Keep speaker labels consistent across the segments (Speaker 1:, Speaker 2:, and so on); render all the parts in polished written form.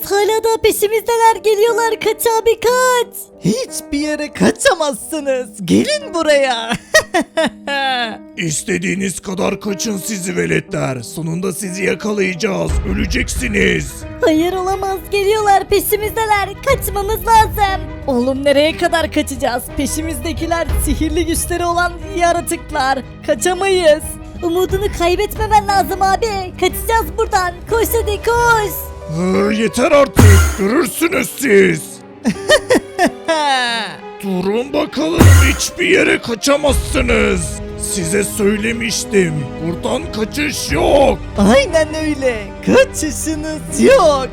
Speaker 1: hala da peşimizdeler, geliyorlar, kaç abi kaç.
Speaker 2: Hiçbir yere kaçamazsınız. Gelin buraya.
Speaker 3: İstediğiniz kadar kaçın sizi veletler. Sonunda sizi yakalayacağız. Öleceksiniz.
Speaker 1: Hayır olamaz, geliyorlar, peşimizdeler, kaçmamız lazım.
Speaker 2: Oğlum nereye kadar kaçacağız? Peşimizdekiler sihirli güçleri olan yaratıklar. Kaçamayız.
Speaker 1: Umudunu kaybetmemen lazım abi, kaçacağız buradan, koş hadi koş.
Speaker 3: Yeter artık. Görürsünüz siz. Durun bakalım, hiçbir yere kaçamazsınız. Size söylemiştim. Buradan kaçış yok.
Speaker 2: Aynen öyle. Kaçışınız yok.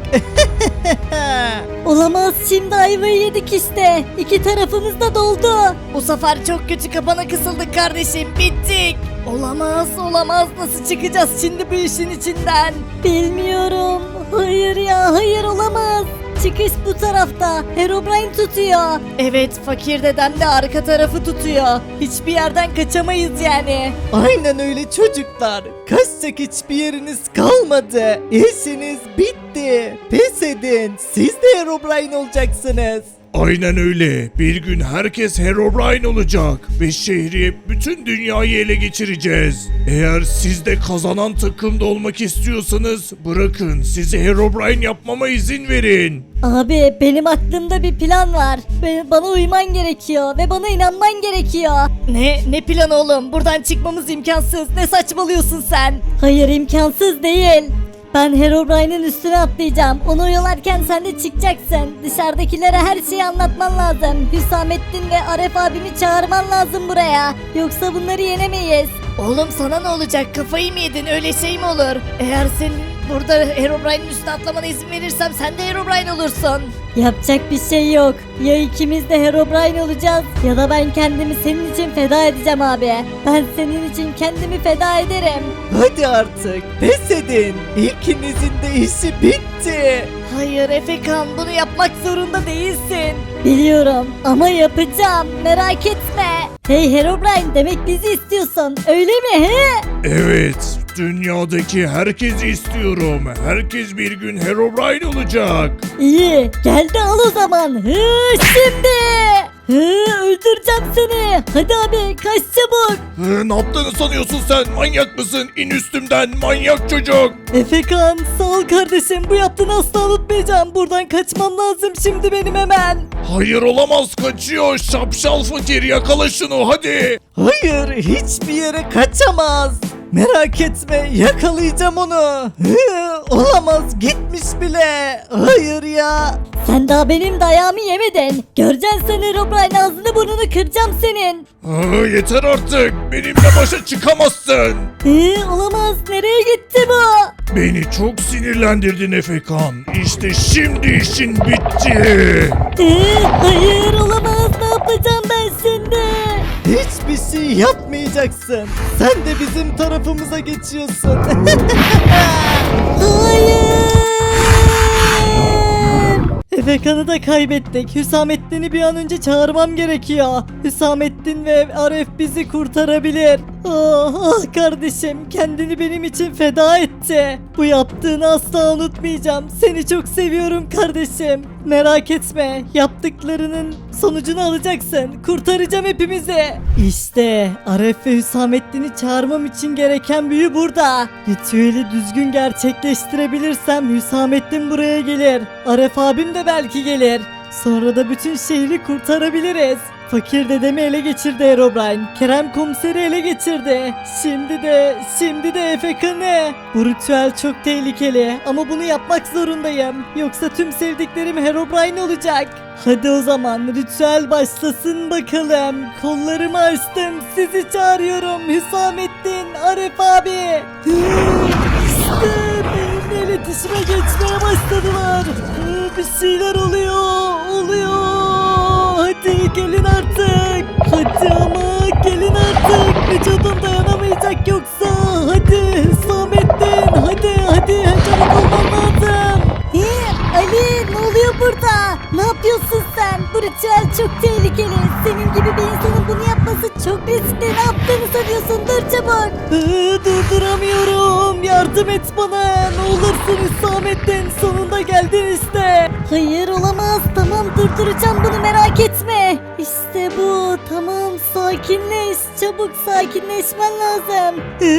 Speaker 1: Olamaz, şimdi ayvayı yedik işte, iki tarafımız da doldu.
Speaker 2: Bu sefer çok kötü kapana kısıldık kardeşim. Bittik. Olamaz olamaz. Nasıl çıkacağız şimdi bu işin içinden?
Speaker 1: Bilmiyorum, hayır ya, hayır olamaz. Çıkış bu tarafta, Herobrine tutuyor.
Speaker 2: Evet, fakir dedem de arka tarafı tutuyor. Hiçbir yerden kaçamayız yani. Aynen öyle çocuklar. Kaçacak hiçbir yeriniz kalmadı. İşiniz bitti. Pes edin. Siz de Herobrine olacaksınız.
Speaker 3: Aynen öyle. Bir gün herkes Herobrine olacak ve şehri, bütün dünyayı ele geçireceğiz. Eğer siz de kazanan takımda olmak istiyorsanız bırakın, sizi Herobrine yapmama izin verin.
Speaker 1: Abi benim aklımda bir plan var. Bana uyman gerekiyor ve bana inanman gerekiyor.
Speaker 2: Ne planı oğlum? Buradan çıkmamız imkansız. Ne saçmalıyorsun sen?
Speaker 1: Hayır, imkansız değil. Ben Herobrine'in üstüne atlayacağım. Onu oyalarken sen de çıkacaksın. Dışarıdakilere her şeyi anlatman lazım. Hüsamettin ve Aref abimi çağırman lazım buraya. Yoksa bunları yenemeyiz.
Speaker 2: Oğlum sana ne olacak? Kafayı mı yedin? Öyle şey mi olur? Eğer senin burada Herobrine'in üstüne atlamana izin verirsem sen de Herobrine olursun.
Speaker 1: Yapacak bir şey yok. Ya ikimiz de Herobrine olacağız ya da ben kendimi senin için feda edeceğim abi. Ben senin için kendimi feda ederim.
Speaker 2: Hadi artık pes edin. İkinizin de işi bitti. Hayır Efekan, bunu yapmak zorunda değilsin.
Speaker 1: Biliyorum ama yapacağım, merak etme. Hey Herobrine, demek bizi istiyorsun öyle mi he?
Speaker 3: Evet, dünyadaki herkesi istiyorum. Herkes bir gün Herobrine olacak.
Speaker 1: İyi, gel de al o zaman. Şimdi. Öldüreceğim seni. Hadi abi kaç çabuk.
Speaker 3: Ne yaptığını sanıyorsun sen? Manyak mısın? İn üstümden, manyak çocuk.
Speaker 2: Efekan sağ ol kardeşim, bu yaptığını asla unutmayacağım. Buradan kaçmam lazım şimdi benim hemen.
Speaker 3: Hayır, olamaz, kaçıyor. Şapşal fakir, yakala şunu hadi.
Speaker 2: Hayır, hiçbir yere kaçamaz. Merak etme, yakalayacağım onu. Olamaz, gitmiş bile. Hayır ya.
Speaker 1: Sen daha benim dayağımı yemedin. Göreceksin sen Herobrine, ağzını burnunu kıracağım senin.
Speaker 3: Yeter artık. Benimle başa çıkamazsın.
Speaker 1: Olamaz, nereye gitti bu?
Speaker 3: Beni çok sinirlendirdin Efekan. İşte şimdi işin bitti.
Speaker 1: Hayır olamaz, ne yapacağım ben şimdi?
Speaker 2: Hiçbir şey yapmayacaksın. Sen de bizim tarafımıza geçiyorsun.
Speaker 1: Hayır.
Speaker 2: Efekan'ı da kaybettik. Hüsamettin'i bir an önce çağırmam gerekiyor. Hüsamettin ve Aref bizi kurtarabilir. Ah kardeşim, kendini benim için feda etti. Bu yaptığını asla unutmayacağım. Seni çok seviyorum kardeşim. Merak etme, yaptıklarının sonucunu alacaksın. Kurtaracağım hepimizi. İşte Aref ve Hüsamettin'i çağırmam için gereken büyü burada. Ritüeli düzgün gerçekleştirebilirsem Hüsamettin buraya gelir. Aref abim de belki gelir. Sonra da bütün şehri kurtarabiliriz. Fakir dedemi ele geçirdi Herobrine. Kerem komiseri ele geçirdi. Şimdi de Efekan'ı. Bu ritüel çok tehlikeli ama bunu yapmak zorundayım. Yoksa tüm sevdiklerim Herobrine olacak. Hadi o zaman ritüel başlasın bakalım. Kollarımı açtım, sizi çağırıyorum. Hüsamettin, Aref abi. İşte benimle iletişime geçmeye başladılar. Bir şeyler oluyor. Hadi gelin artık. Hadi ama gelin artık. Vücudum dayanamayacak yoksa. Hadi Hüsamettin. Hadi çabuk olman lazım.
Speaker 1: Ali ne oluyor burada? Ne yapıyorsun sen? Bu ritüel çok tehlikeli. Senin gibi bir insanın bunu yapması çok riskli. Ne yaptığını sanıyorsun? Dur çabuk.
Speaker 2: Durduramıyorum. Yardım et bana. Ne olursun Hüsamettin. Sonunda geldin işte.
Speaker 1: Hayır olamaz. Tamam durduracağım bunu merak etme. İşte bu. Tamam sakinleş. Çabuk sakinleşmen lazım.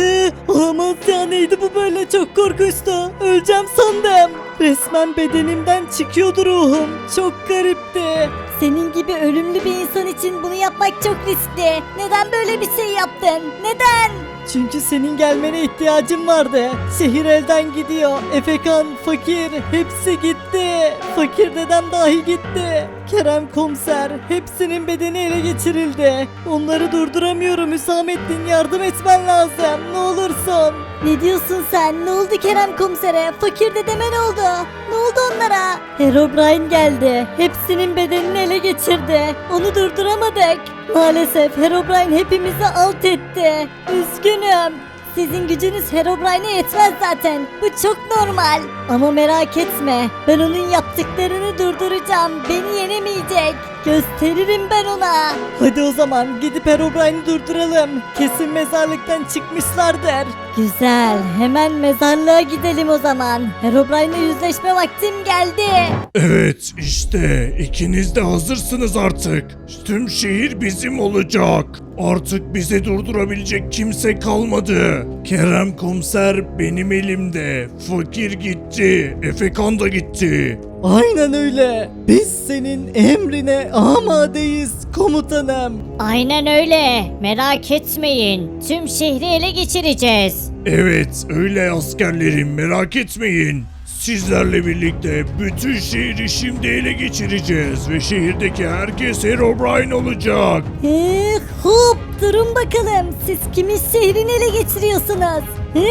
Speaker 2: Olamaz ya, neydi bu böyle, çok korkunçtu. Öleceğim sandım. Resmen bedenimden çıkıyordu ruhum. Çok garipti.
Speaker 1: Senin gibi ölümlü bir insan için bunu yapmak çok riskli. Neden böyle bir şey yaptın? Neden?
Speaker 2: Çünkü senin gelmene ihtiyacım vardı. Şehir elden gidiyor. Efekan, Fakir hepsi gitti. Fakir dedem dahi gitti. Kerem komiser hepsinin bedeni ele geçirildi. Onları durduramıyorum Hüsamettin, yardım etmen lazım. Ne olursun.
Speaker 1: Ne diyorsun sen? Ne oldu Kerem komisere? Fakir dedeme ne oldu? Ne oldu onlara?
Speaker 2: Herobrine geldi. Hepsinin bedenini ele geçirdi. Onu durduramadık. Maalesef Herobrine hepimizi alt etti.
Speaker 1: Üzgünüm. Sizin gücünüz Herobrine'e yetmez zaten. Bu çok normal. Ama merak etme. Ben onun yaptıklarını durduracağım. Beni yenemeyecek. Gösteririm ben ona.
Speaker 2: Hadi o zaman gidip Herobrine'i durduralım. Kesin mezarlıktan çıkmışlardır.
Speaker 1: Güzel. Hemen mezarlığa gidelim o zaman. Herobrine'le yüzleşme vaktim geldi.
Speaker 3: Evet işte ikiniz de hazırsınız artık. Tüm şehir bizim olacak. Artık bizi durdurabilecek kimse kalmadı. Kerem komiser benim elimde. Fakir gitti. Efekan da gitti.
Speaker 2: Aynen öyle. Biz senin emrine amadeyiz komutanım.
Speaker 1: Aynen öyle. Merak etmeyin. Tüm şehri ele geçireceğiz.
Speaker 3: Evet öyle askerlerim merak etmeyin. Sizlerle birlikte bütün şehri şimdi ele geçireceğiz ve şehirdeki herkes Herobrine olacak.
Speaker 1: Hop durun bakalım. Siz kimin şehrini ele geçiriyorsunuz?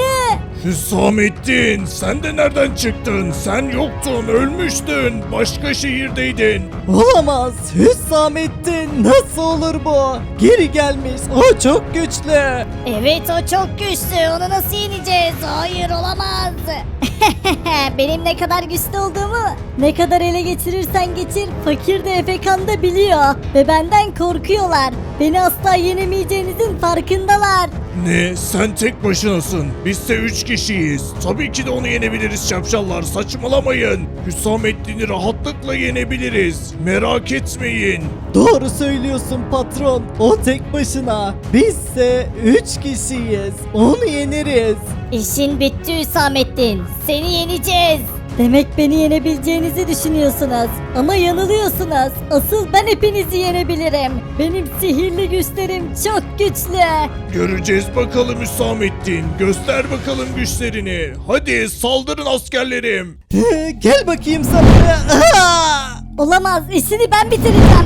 Speaker 3: Hüsamettin sen de nereden çıktın? Sen yoktun, ölmüştün, başka şehirdeydin.
Speaker 2: Olamaz. Hüsamettin nasıl olur bu? Geri gelmiş. O çok güçlü.
Speaker 1: Evet o çok güçlü. Onu nasıl yeneceğiz? Hayır olamaz. Benim ne kadar güçlü olduğumu ne kadar ele geçirirsen geçir fakir de Efekan da biliyor. Ve benden korkuyorlar. Beni asla yenemeyeceğinizin farkındalar.
Speaker 3: Ne? Sen tek başınasın. Bizse 3 kişiyiz. Tabii ki de onu yenebiliriz şapşallar. Saçmalamayın. Hüsamettin'i rahatlıkla yenebiliriz. Merak etmeyin.
Speaker 2: Doğru söylüyorsun patron. O tek başına. Bizse 3 kişiyiz. Onu yeneriz.
Speaker 1: İşin bitti Hüsamettin. Seni yeneceğiz. Demek beni yenebileceğinizi düşünüyorsunuz. Ama yanılıyorsunuz. Asıl ben hepinizi yenebilirim. Benim sihirli güçlerim çok güçlü.
Speaker 3: Göreceğiz bakalım Hüsamettin. Göster bakalım güçlerini. Hadi saldırın askerlerim.
Speaker 2: Gel bakayım sana.
Speaker 1: Olamaz, işini ben bitireceğim.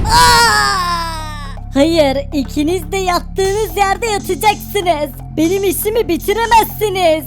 Speaker 1: Hayır, ikiniz de yattığınız yerde yatacaksınız. Benim işimi bitiremezsiniz.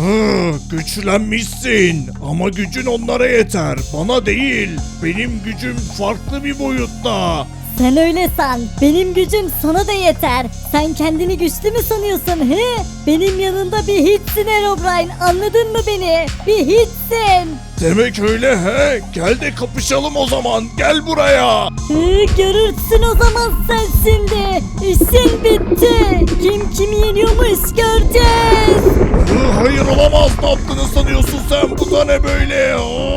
Speaker 3: Güçlenmişsin ama gücün onlara yeter. Bana değil. Benim gücüm farklı bir boyutta.
Speaker 1: Sen öyle san. Benim gücüm sana da yeter. Sen kendini güçlü mü sanıyorsun he? Benim yanında bir hiçsin Herobrine. Anladın mı beni? Bir hiçsin.
Speaker 3: Demek öyle he. Gel de kapışalım o zaman. Gel buraya.
Speaker 1: Görürsün o zaman sen şimdi. İşin bitti. Kim kimi yeniyormuş göreceğiz.
Speaker 3: Hayır olamaz. Ne yaptığını sanıyorsun sen? Bu da ne böyle?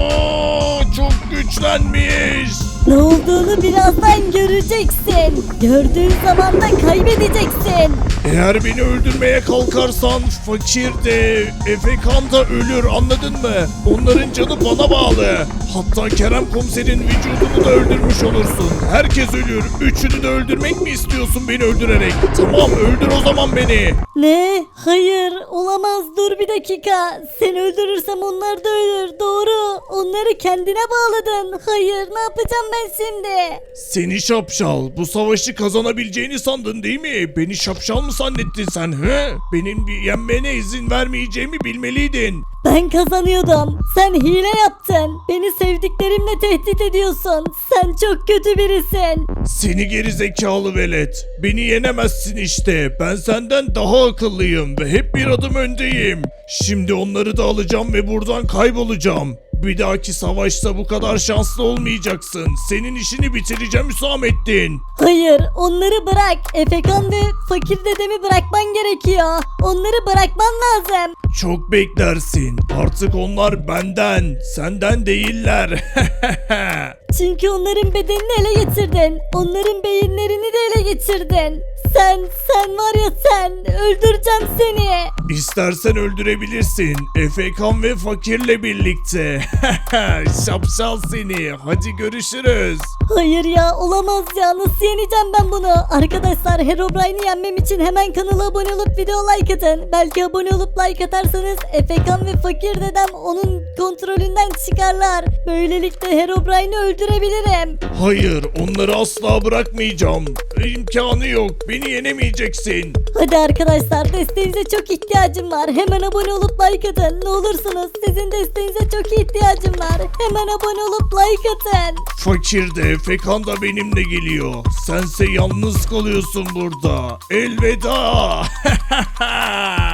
Speaker 3: Çok güçlenmiş.
Speaker 1: Ne olduğunu birazdan göreceksin. Gördüğün zaman da kaybedeceksin.
Speaker 3: Eğer beni öldürmeye kalkarsan fakir de Efekan da ölür anladın mı? Onların canı bana bağlı. Hatta Kerem komiserin vücudunu da öldürmüş olursun. Herkes ölür. Üçünü de öldürmek mi istiyorsun beni öldürerek? Tamam öldür o zaman beni.
Speaker 1: Ne? Hayır olamaz dur bir dakika. Seni öldürürsem onlar da ölür. Doğru. Onları kendine bağladın. Hayır ne yapacağım ben şimdi?
Speaker 3: Seni şapşal. Bu savaşı kazanabileceğini sandın değil mi? Beni şapşal mı zannettin sen he? Benim yenmene izin vermeyeceğimi bilmeliydin.
Speaker 1: Ben kazanıyordum. Sen hile yaptın. Beni sevdiklerimle tehdit ediyorsun. Sen çok kötü birisin.
Speaker 3: Seni geri zekalı velet. Beni yenemezsin işte. Ben senden daha akıllıyım ve hep bir adım öndeyim. Şimdi onları da alacağım ve buradan kaybolacağım. Bir dahaki savaşta bu kadar şanslı olmayacaksın. Senin işini bitireceğim Hüsamettin.
Speaker 1: Hayır, onları bırak. Efekan ve fakir dedemi bırakman gerekiyor. Onları bırakman lazım.
Speaker 3: Çok beklersin. Artık onlar benden, senden değiller.
Speaker 1: Çünkü onların bedenini ele geçirdin. Onların beyinlerini de ele geçirdin. Sen var ya sen. Öldüreceğim seni.
Speaker 3: İstersen öldürebilirsin. Efekan ve fakirle birlikte. Şapşal seni. Hadi görüşürüz.
Speaker 1: Hayır ya, olamaz ya, nasıl yeneceğim ben bunu? Arkadaşlar, Herobrine'i yenmem için hemen kanala abone olup video like atın. Belki abone olup like atarsanız Efekan ve fakir dedem onun kontrolünden çıkarlar. Böylelikle Herobrine'i öldürebilirim.
Speaker 3: Hayır, onları asla bırakmayacağım. İmkanı yok. Beni yenemeyeceksin.
Speaker 1: Hadi arkadaşlar, desteğinize çok ihtiyacım var. Hemen abone olup like atın. Ne olursunuz, sizin desteğinize çok ihtiyacım var. Hemen abone olup like atın.
Speaker 3: Fakir de Efekan da benimle geliyor. Sense yalnız kalıyorsun burada. Elveda.